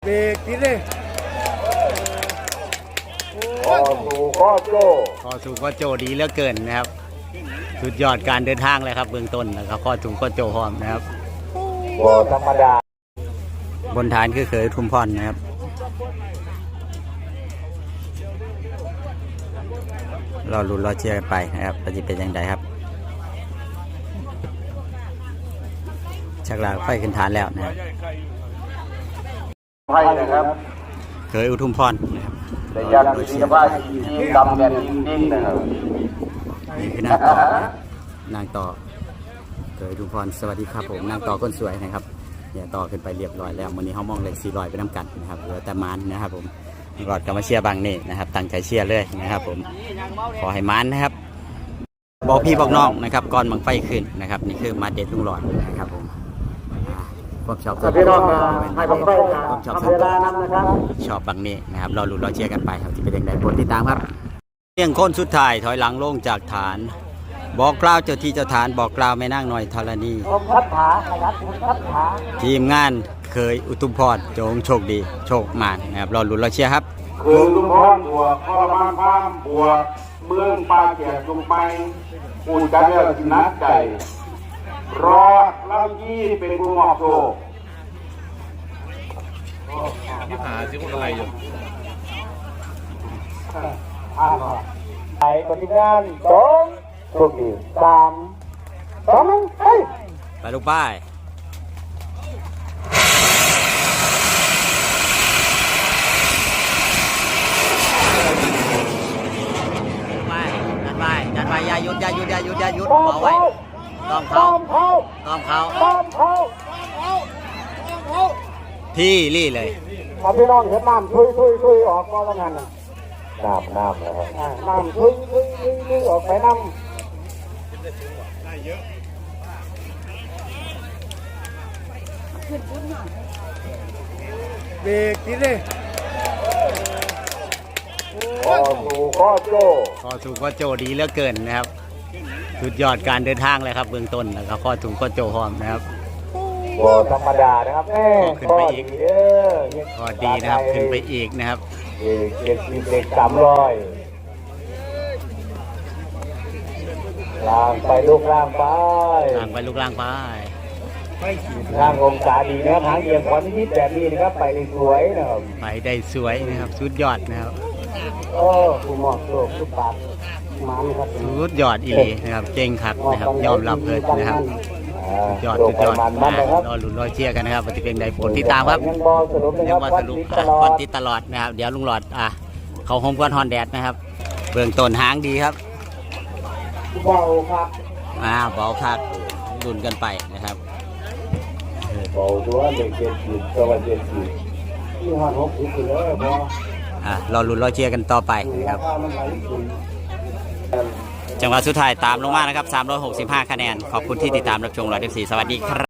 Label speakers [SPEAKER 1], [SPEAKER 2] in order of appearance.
[SPEAKER 1] เบรกทีเลย
[SPEAKER 2] ข้อสู่ข้อโจดีเหลือเกินนะครับสุดยอดการเดินทางเลยครับเบื้องต้นนะครับข้อสู่ข้อโจพร้อมนะครับ
[SPEAKER 3] บ่ธรรมดา
[SPEAKER 2] บนฐานคือเคยทุมพรนะครับรอลุ้นรอเชียร์กันไปนะครับจะเป็นยังไงครับชักลากไฟขึ้นฐานแล้วนะครับ
[SPEAKER 3] ไพ่นะครับ
[SPEAKER 2] เคยอุทุมพรนะครับ
[SPEAKER 3] แต่ยันศิลปะที่ดำแดนดิ้งนะครับ
[SPEAKER 2] นี่คือนางต่อนางต่อเคยอุทุมพรสวัสดีครับผมนางต่อคนสวยนะครับเนี่ยต่อขึ้นไปเรียบร้อยแล้ววันนี้เขามองเลข400ไปน้ำกันนะครับเหลือแต่มันนะครับผมกอดกับมาเชียร์บางนี่นะครับตั้งใจเชียร์เลยนะครับผมขอให้มันนะครับบอกพี่บอกน้องนะครับก่อนบังไฟขึ้นนะครับนี่คือมาเด็ดลุงหลอดนะครับผมผมชอบส่วนตัวผมชอบส่วนตัวชอบบางนี่นะครับรอลุ้นรอเชียร์กันไปครับที่เป็นยังไงโปรดติดตามครับเรื่องคนสุดท้ายถอยหลังลงจากฐานบอกกล่าวเจ้าที่เจ้าฐานบอกกล่าวแม่นางหน่อยธรณีทีมงานเคยอุทุมพรจงโชคดีโชคมานนะครับรอลุ้นรอเชียร์ครับ
[SPEAKER 3] เคยอุทุมพรบวกพรมานพามบวกเมืองปาเกียรติลงไปปูจันเลือกนัดใจรอเล่ายี่เป็นผู้มอบโชค
[SPEAKER 1] ที่หาซิคนอะไรอยู่
[SPEAKER 3] ไปปฏิงาน2โชคดี3 2 1
[SPEAKER 2] ไปลูกป้ายจัดไปอย่าหยุดเอาไว้ต้องเขาที่รี่เลย
[SPEAKER 3] พี่น้องเห็นน้ำช่วยออกก็แล้วกันน้ำนะครับน้ำช่วยออกไปน้ำ
[SPEAKER 1] เบรกทีเลย
[SPEAKER 3] ข้อสู่ข้อโจ
[SPEAKER 2] ดีเหลือเกินนะครับสุดยอดการเดินทางเลยครับเบื้องต้นนะครับข้อสู่ข้อโจพร้อมนะครับ
[SPEAKER 3] บ่ธรรมดานะครับ
[SPEAKER 2] ขึ้นไปอีกข้อดีนะครับขึ้นไปอีกนะครับ
[SPEAKER 3] เด็ก300ล่างไปลูกล่างไปล่างองศาดีนะครับทางเอียงขวานิดแบบนี้นะครับไปได้สวยนะครับ
[SPEAKER 2] สุดยอดนะครับ
[SPEAKER 3] คุณหมอโชคทุกปากมันครับ
[SPEAKER 2] สุดยอดอีหลีนะครับเก่งคักนะครับยอมรับเลยนะครับยอดรอลุ้นรอเชียร์กันนะครับปฏิเป็นใดผลที่ตามครับยังมาสรุปวันที่ตลอดนะครับเดี๋ยวลุงหลอดเขาโฮมก้อนฮอนแดดนะครับเบื้องต้นหางดีครับ
[SPEAKER 3] เบาครับ
[SPEAKER 2] เบาคักดุนกันไปนะครับ
[SPEAKER 3] เบาตัวเด็ก70ตัว70ที่ห้า60เลยพอ
[SPEAKER 2] รอลุ้นรอเชียร์กันต่อไปนะครับจังหวะสุดท้ายตามลงมานะครับ365คะแนนขอบคุณที่ติดตามรับชมเรา14สวัสดีครับ